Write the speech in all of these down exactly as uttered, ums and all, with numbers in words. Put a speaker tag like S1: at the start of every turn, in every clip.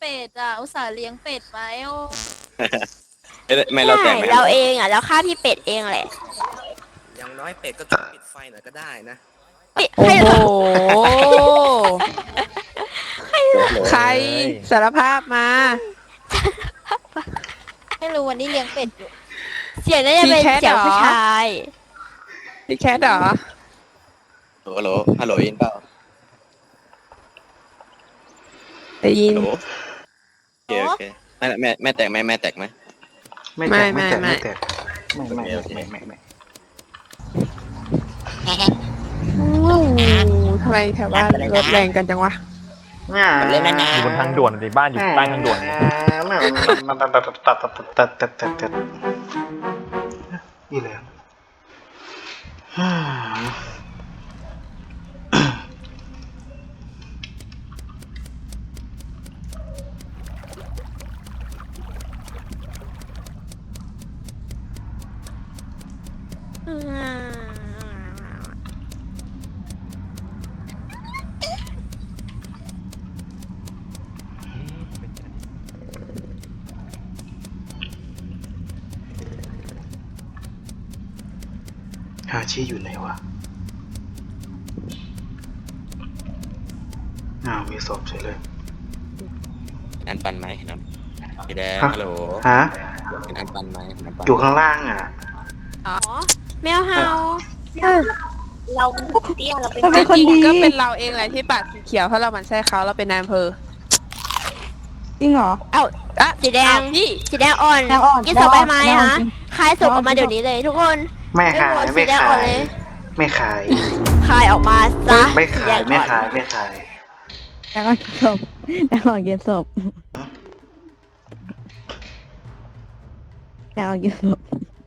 S1: เป็ดอ่ะอุตส่าห์เลี้ยงเป็ดไว้โอ้
S2: เอ้ยไม่เรา
S3: ใช่
S2: แตกไหมครั
S3: เรา
S2: บ
S3: เองอ่ะเราฆ่าพี่เป็ดเองแหละ
S4: อย่างน้อยเป็ดก็ต้องปิดไฟหน่อยก็ได้นะ
S3: ปิด
S5: โอ้
S3: ให้
S5: โห ใครสารภาพมา
S1: ไม่รู้วันนี้เลี้ยงเป็ดอยู่
S3: เสียงน่าจะเป็น
S5: พี่แคท
S3: เสียง
S5: เหรอ
S3: ผู้ชาย
S5: พี่แคทเหรอ
S2: ฮัลโหลฮัลโหลอินเปล่า
S5: ได้ยิ
S2: ฮั
S5: น
S2: ลโหลโอเคโอเคแม่แม่แม่แตกไหมแม่แตกไหม
S6: ไม่แตก
S5: ไม่
S6: ไม่แตก
S5: ไม่
S6: ไม่แตกไม่ไม่
S2: โอเค
S6: ไม่ไม่ไม่
S5: อู้ทำไมแถวบ้านรถแรงกันจังวะ
S4: เล่นนะ
S7: อยู่บนทางด่วนดิบ้านอยู่ใต้ทางด่วน
S6: มันมันตัดตัดตัดตัดตัดตัดตัดตัดนี่แหละฮาชิอยู่ไหนวะอ้าวมีศพเฉยเลย
S2: อันปันไหมครับพี่แดง
S6: ฮะ
S2: ฮัลโหล
S6: ฮะ
S2: เห็นอันปันไหมเห็นอันปัน
S6: อยู่ข้างล่างอ่ะ
S3: อ๋อแมวเห่า
S1: เราเตี้ยเราเป็น
S5: จริงๆก็เป็นเราเองแหละที่ปัดสีเขียวเพราะเรามันใช่เขาเราเป็นนายอำเภอ
S8: จริงเหรอ
S3: เอ้า
S5: อ่ะ
S3: สีแดง
S5: อ้าวพี่
S3: สีแดงอ่อน
S8: แดงอ่อน
S3: กินศพใบไม้
S8: แดงอ่อน
S3: ฮะ
S8: จริง
S3: คายศพออกมาเดี๋ยวนี้เลยทุกคน
S6: ไม่ขาย
S3: สี
S6: ไม่
S3: แดง
S6: ขา
S3: อ่อน
S6: ย
S3: เลย
S6: ไม่ขาย
S3: คายออกมาซะ
S6: ไม่
S3: สี
S6: ขา
S3: แด
S6: ย
S3: ง
S6: ไม่
S3: อ่อน
S6: ขายไม่ขาย
S8: แล้วก็เก็บศพแล้วก็เก็บศพแล้วก็เก็บศพ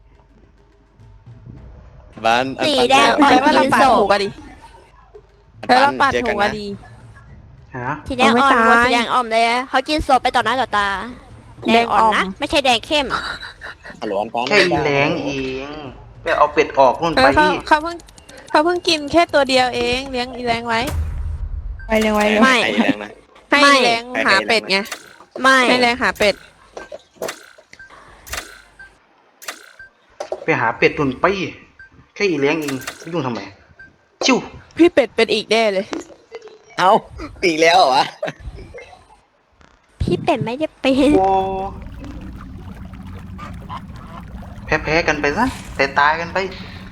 S2: บ้านอัน
S3: สี
S2: ปัน
S3: แดงอ่อน
S5: แปลว่าเรา
S3: กิน
S5: ปาด
S3: ศ
S5: ถู
S3: พ
S5: กอะดิ
S2: อัน
S5: แปล
S2: ปั
S5: ว่าน ปาด
S2: เจอ
S5: ถู
S2: กัน
S5: กอะ
S2: นะ
S5: ดี
S6: ฮะ
S3: สีแดงอ่อน
S5: เอาไม่
S3: หมด
S5: ตาย
S3: สีแดงอ่อนเลยเขากินศพไปต่อหน้าต่อตา แดงอ่อนนะไม่ใช่แดงเข้ม
S2: ฮัลโหลอันปัน
S6: แค่อีแรงเองไปเอาเป็ดออกนู่น
S5: เอ
S6: ไป
S5: อเขาเขาเพิ่งเขาเพิ่งกินแค่ตัวเดียวเองเลี้ยงอีแรงไว้
S8: ไปเร็วไว้เร็ว
S3: ไม่
S2: ไอ้แรงนะ
S5: ให้
S3: ไม่
S5: อีแรงหาเป็ดไง
S3: ไม่
S5: ให้แรงหาเป็ด
S6: ไปหาเป็ดนู่นไปแค่อีแรงเองไปยุ่งทำไมชิว
S5: พี่เป็ดเป็นอีกแน่เลย
S2: เอ้าอีกแล้วเหรอวะ
S3: พี่เป็ดไม่ได้เป็น
S6: โอ้แพ้แพ้กันไปซะแต่ตายกันไป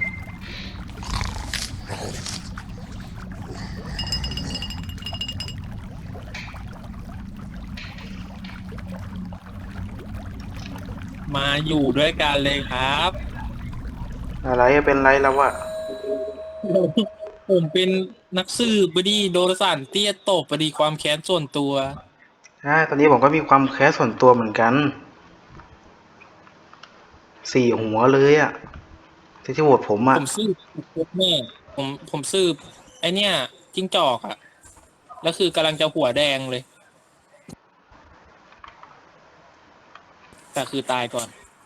S9: มาอยู่ด้วยกันเลยครับ
S6: อะไรเป็นไรแล้ววะ
S9: ผมเป็นนักสืบบดีโดนสารเตี้ยตบบดีความแค้นส่วนตัว
S6: ใช่ตอนนี้ผมก็มีความแค้นส่วนตัวเหมือนกันสี่หัวเลยอะที่ที่โหวตผมอะ
S9: ผมสืบแม่ผมผมสืบไอเนี้ยจิ้งจอกอะแล้วคือกำลังจะหัวแดงเลย แต่คือตายก่อน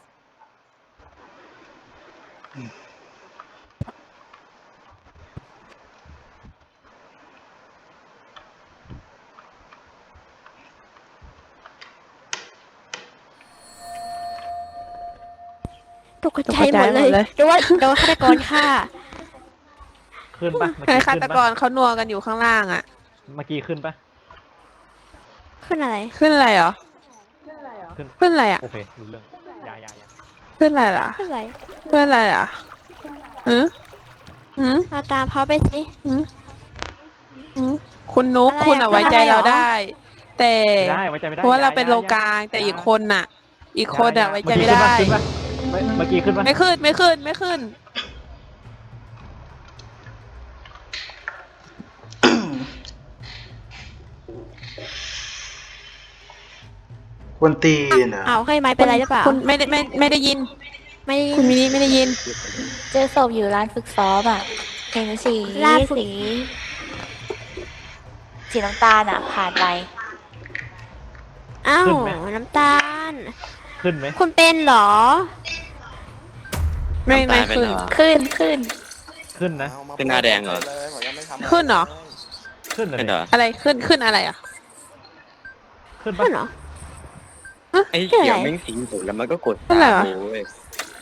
S3: ตกใจหมดเลย
S5: ตกใจหมดเลย
S3: หรือว่าโดนฆาตกรฆ่า
S7: ขึ้นปะเมื่อ
S5: ให้
S7: กี้
S5: ฆา
S7: ขึ้น
S5: ตก
S7: ปะ
S5: รเขานัวกันอยู่ข้างล่างอ่ะ
S7: เมื่อกี้ขึ้นปะ
S3: ขึ้นอะไร
S5: ขึ้นอะไรเหรอ
S7: ขึ้น
S5: ขึ้นอะไรอ่ะ
S7: โอเครู้เรื่องอยาอยาอยา
S5: ขึ้นอะไรล่ะ
S3: ขึ้นอะไร
S5: ขึ้นอะไรอ่ะหืมหืม
S3: มาตามเขาไปสิ
S5: หืมหืมคุณนุ๊ก
S3: อะไรอะ
S5: คุณเอาไว้ใจเรา
S3: อะไรเหรอ
S5: ได้ แต่
S7: ไม่ได้ไว้ใจไม่ได้
S5: เพราะว่าเราเป็น
S7: อย่
S5: โล
S7: อย่
S5: กลางแต่อีกคนน่ะ อีก
S7: อย่า
S5: คน
S7: อย่า
S5: อ่ะไว้ใจไม่ได้
S7: ขึ้นปะเมื่อกี้ขึ้นปะ
S5: ไม่ขึ้นไม่ขึ้นไม่ขึ้น
S6: ควนตีนอะ
S3: เอาให้ไม้เป็นไรหรือเปล่า
S5: คุณไม่ได้ไม่ไม่ได้ยิน
S3: ไม่ได้ยิ
S5: คุณ
S3: น
S5: มินิไม่ได้ยิน
S1: เจอศพอยู่ร้านฝึกซ้อมอ่ะเห็นสี
S3: ลาดฝึก
S1: สีสีน้ำตาลอ่ะ ผ่านไป
S3: อ้าวน้ำตาล
S7: ขึ้นไหม
S3: คุณเป็นเหรอ
S5: ไม่ไม่
S2: ตายป
S5: ขึ้น
S2: เหรอ
S1: ขึ้นขึ้น
S7: ขึ้นนะ
S2: ขึ้นหน้าแดงเหรอ
S5: ขึ้นเหรอ
S7: ขึ้นเลย
S2: เป็นเหรอ
S5: อะไรขึ้นขึ้นอะไรอ่ะ
S7: ขึ้น
S3: ขึ้
S7: ปะ
S3: นเหรอ
S2: ไอ้
S3: คืออะไร
S2: เขียวแม่งทิ้งถูกแล้วมันก็กด
S5: นั่นแหละ
S2: ตามกูเว้ย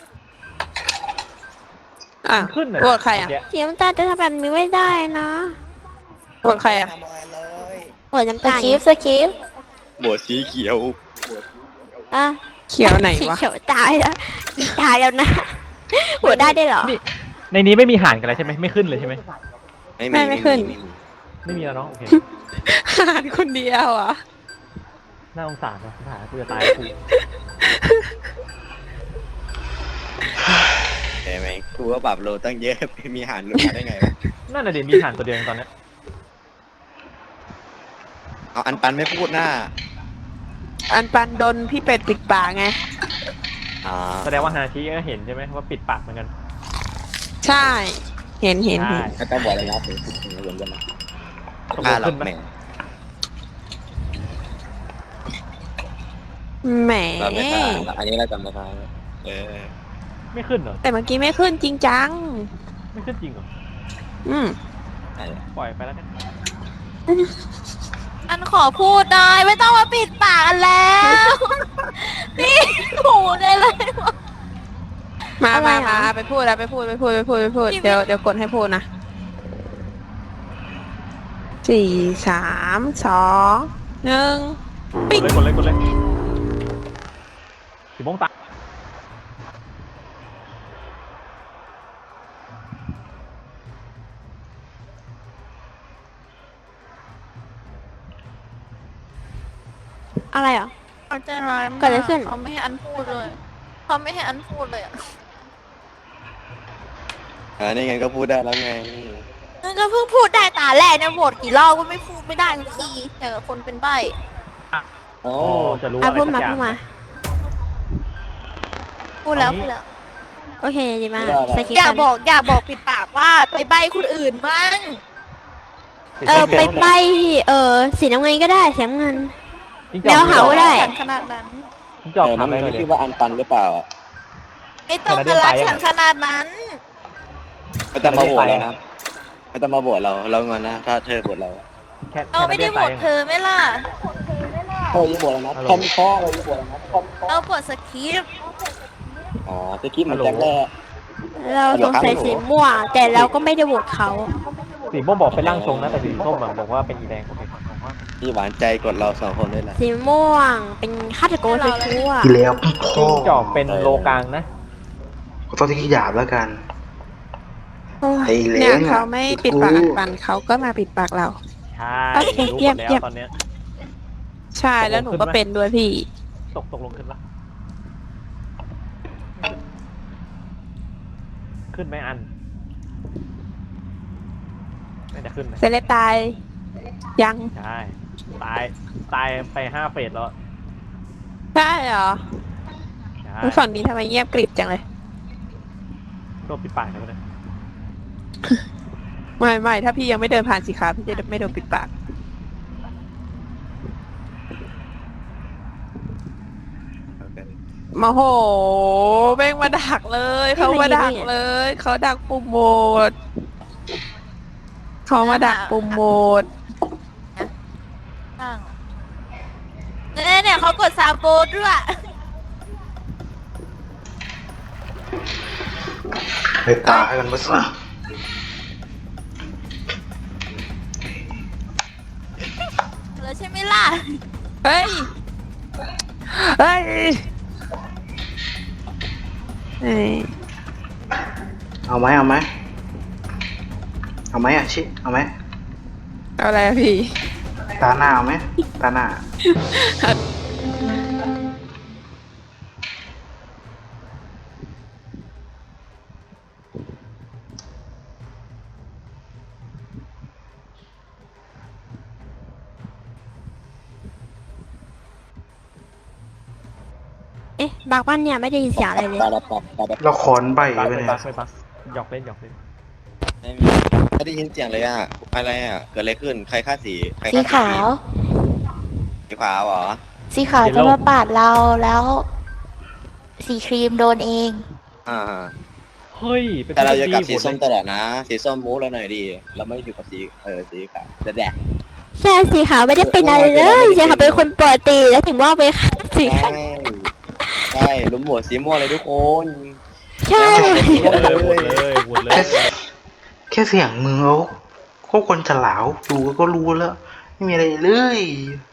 S5: อ่ะ
S7: ขึ้นเลย
S5: โหวตใครอ่ะ
S7: เมื่กี้
S3: เสียน้ำตาลจะทำแบบนี้ไม่ได้นะ
S5: โหวตใครอ่ะ
S4: ทำอะไรเลย
S3: หัวน้ำ
S1: ส
S3: ตาล
S1: กิปสกิป
S2: บวสีเขียว
S3: อ่ะ
S5: เขียวไหน
S3: สี
S5: วะ
S3: เขียวตายแล้วตายแล้วนะหัวได้ได้เหรอ
S7: ในนี้ไม่มีหารกันแล้วใช่ไหมไม่ขึ้นเลยใช่ไหม
S2: ไม่
S5: ไม่
S2: มี
S5: ไม่ขึ้น
S7: ไม่มีแล้วเนาะโอเค
S5: หารคนเดียวอ่ะ
S7: น่าสงสารว่ะสงสารกูจะตายกู
S2: ใช่ไหมกูว่าปรับโลตั้งเยอะ มีหารลงมาได้ไงวะ
S7: นั่นน่ะเดี๋ยวมีหารตัวเดียวเองตอนเนี้ย
S2: เอาอันปันไม่พูดหน้า
S5: อันปันโดนพี่เป็ดปิดปากไง
S2: อ่า
S7: แสดงว่าฮาชิก็เห็นใช่ไหมว่าปิดปากเหมือนกัน
S5: ใช่ เห็นเห็น
S7: ใช่
S5: เห็น
S2: ก็ต้องบอกเลยนะถึงถึงเหมือนกันนะ
S7: ตกล
S2: ฆ่าง เรา
S7: ขึ้นไหม
S2: แหม่
S5: แหม
S2: เราไม่ฆ่าอันนี้เราจำไม่ได้เออ
S7: ไม่ขึ้นเหรอ
S5: แต่เมื่อกี้ไม่ขึ้นจริงจัง
S7: ไม่ขึ้นจริงเหรอ
S5: อืม
S2: ใช่
S7: ปล่อยไปแล้วกัน
S1: อันขอพูดได้ไม่ต้องมาปิดปากกันแล้วนี่หูได้เลย
S5: มา
S3: อะไร
S5: มา
S3: อ่ะ
S5: มาไปพูดแล้วไปพูดไปพูดไปพูดไปพูด
S1: พี่
S5: เดี๋ยวเดี๋ยวกดให้พูดนะสี่สามสองหนึ่ง
S7: กดเลยกดเลยกดเลยสีม่วงตา
S3: อะไรเหรอ
S1: เขาใจร้ายมาก
S3: เกิดอะไรขึ้น
S1: เขาไม่ให้อันพูดเลยเขาไม่ให้อันพูดเลยอ่ะ
S2: อ่านี่ไงก็พูดได้แล้วไง
S1: นั่นก็เพิ่งพูดได้ตาแรกเนี่ยโหวตกี่รอบก็ไม่พูดไม่ได้ทุกทีแต่กับคนเป็นใบ้
S2: โอ้
S7: โอ้จะรู้
S3: อ่ะ
S7: อะไร
S3: พูด
S7: สั
S3: มาก
S7: อย่า
S3: พู
S7: ง
S3: ดมา
S1: พูดแล้วพูดแล้ว
S3: โอเคดีมากสกิป
S1: อย่า
S3: กัน
S1: บอกอย่าบอกปิดปากว่าไปใบ้คนอื่นบ้าง
S3: เออไปใบเออสีน้ำเงินก็ได้สีน้ำเงิน
S7: จริง
S3: แมวเห่า ได้
S1: ฉันขนาดนั้น
S7: จริงจอก
S2: เออ
S7: ถา
S2: นั่
S7: ม
S2: น
S7: อะไรหน่อย
S2: ไม่
S7: ดิ
S2: คิดว่าอันปันหรือเปล่าอ่ะ
S1: ไม่ต้องมารักฉันขนาดนั้น
S2: ไม่ต้องมาโหวตเรานะไม่ต้องมาโหวตเราเราเงินนะถ้าเธอโหวตเรา
S7: แค่
S1: เราไม่ได้โหวตเธอไหม่ล่ะ
S2: เธอยิ่งโหวตแล้วนะคอมข้อเรายิ่งโหวตแล้วนะคอมข้อ
S1: เราโหวตสคริปต์
S2: อ๋อจะคิดเหมือนแจ็คแรก
S3: เราสงสัยสีม่วงแต่เราก็ไม่ได้โหวตเขา
S7: สีม่วงบอกเป็นร่างทรงนะแต่สีส้มอะบอกว่าเป็นอีแดงโอเค
S2: พี่หวานใจกดเราสองคนด้วยนะ
S3: สีม่วงเป็นฆาตกรชั่ว
S6: อีแล้วพี่
S7: จ
S6: พ่
S7: ริ
S6: อง
S7: จอกเป็นโลกลางนะ
S6: ขอโทษที่ขี้หยาบแล้วกัน
S5: โอ้ย
S6: ไอ้เล้
S5: เนี่ย
S6: งอะ
S5: เขาไม่ปิดปากอันปันเขาก็มาปิดปากเรา
S7: ใช่
S5: โอเค
S7: รู้ห
S5: เยี่
S7: ม
S5: ยม
S7: ดแล้
S5: เยี่ยม
S7: วตอนเนี้ย
S5: ใช่แล้วหนูก็เป็นด้วยพี่
S7: ตกตกลงขึ้นละขึ้นไหมอันน่าจะขึ้นไหม
S5: เซเลบตาย ยัง
S7: ใช่ตายตายไปห้าเฟสแล้ว
S5: ใช่เหรอ
S7: ใช่
S5: แล้วฝั่งนี้ทำไมเงียบกริบจังเลย
S7: โดนปิดปากแล้วนะ
S5: ไม่ไม่ถ้าพี่ยังไม่เดินผ่านสีขาวพี่จะไม่โดนปิดปาก มาโหแม่งมาดักเลยเขามาดักเลยเขาดักปุ่มโหวตเขามาดักปุ่มโหวต
S1: เนี่ยเนี่ยเขากดซาโบด้วย
S6: ไปตายกันไปซะ
S1: แล้วใช่ไหมล่ะ
S5: เฮ้ยเฮ้ยเฮ้ย
S6: เอาไหมเอาไหมเอาไหมอ่ะชิเอาไหม
S5: เอาอะไรอะพี่
S6: ตาหน้าเอาไหมตาหน้า
S3: เอ๊ะบางบ้านเนี่ยไม่ได้ยินเสียงอะไรเลย
S2: ปาราปับปาราปับ
S6: เราคอนใบ
S7: ปัก
S6: ไป
S7: ไม่
S6: เนี่ย
S7: ปักไม่ปักหยอกเล่นหยอกเล่น
S2: ไม่มีไม่ได้ยินเสียงเลยอ่ะอะไรอ่ะเกิดอะไรขึ้นใครฆ่าสีใคร
S1: สี
S2: ฆ่า
S1: ขาว
S2: สีขาวเหรอ
S1: สีขาวจะมาปาดเราแล้ว สีครีมโดนเอง
S2: อ่า
S7: เฮ้ยเป็น
S2: แต่เราจะ
S7: พี่
S2: กับสี
S7: โหด
S2: ส้ม
S7: เลย
S2: ตลอดนะ สีส้มมูเราหน่อยดี เราไม่อยู่กับสีเออสีขาวจะแดก
S3: ใช่สีขาวไม่ได้เป็นอะไรเลยสีขาวเป็นคนปกติแล้วถึงว่าไปฆ่าสี
S2: ใช่
S3: ขาว
S2: ใช่ลุมโหวตสีม่วงเลยทุกคน
S3: ใช่
S7: เออหมดเลยหมดเลย
S6: แค่แค่เสียงมือเขาเขาคนฉลาวดูก็รู้แล้วไม่มีอะไรเลย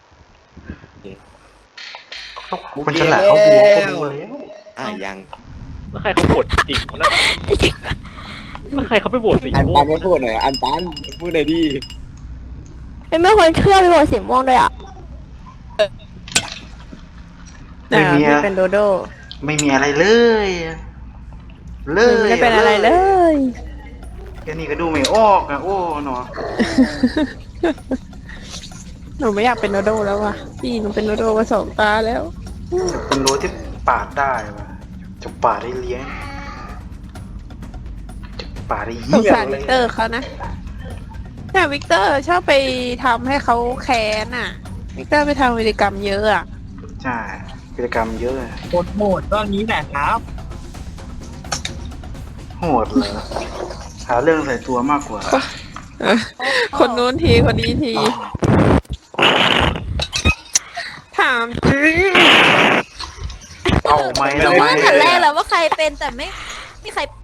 S6: คนฉลาวเขาดูก็รู้แล้ว
S2: อ่ะยัง
S7: แล้วใครเขาโหวตจริงคนนั้นแล้วใครเขาไปโหวตสี
S2: อัน
S7: ม่ว
S2: ปั
S7: ง
S2: นไม่พูดหน่อยอันปันพูดหน่อยดิ
S3: เป็นไม่ควรเชื่อไปโหวตสีม่วงด้วยอ่ะ
S6: ไม่มี
S5: อ่า
S6: อะ
S5: พี่เป็นโดโด
S6: ไม่มีอะไรเลย เลย
S5: ไม่ได้เป็นอะไรเลย
S6: แค่นี้ก็ดูไม่ออกอะโอ้หนอ
S5: หนูไม่อยากเป็นโดโดแล้วว่ะพี่หนูเป็นโดโดมาสองตาแล้ว
S6: จะเป็นรั้วที่ปาดได้ปะจะปาดได้เลี้ยงจะปาดได้
S5: สง
S6: เหี้ย
S5: สาร
S6: เล
S5: วิ
S6: ย
S5: กเตอร์เขานะแต่วิกเตอร์ชอบไปทำให้เขาแค้นอ่ะ วิกเตอร์ไปทำวิธีกรรมเยอะอ่ะ
S6: ใช่กิจกรรมเยอะ
S9: โหดโหดตอนนี้แหละครับ
S6: โหดเลยหาเรื่องใส่ตัวมากกว่า
S5: คนนู้นทีคนนี้ที ถามจริง
S6: เอาไหม
S1: รู้
S6: ทำไม
S1: ตั้งแต่แรกแล้วว่าใครเป็นแต่ไม่ไม่มีใคร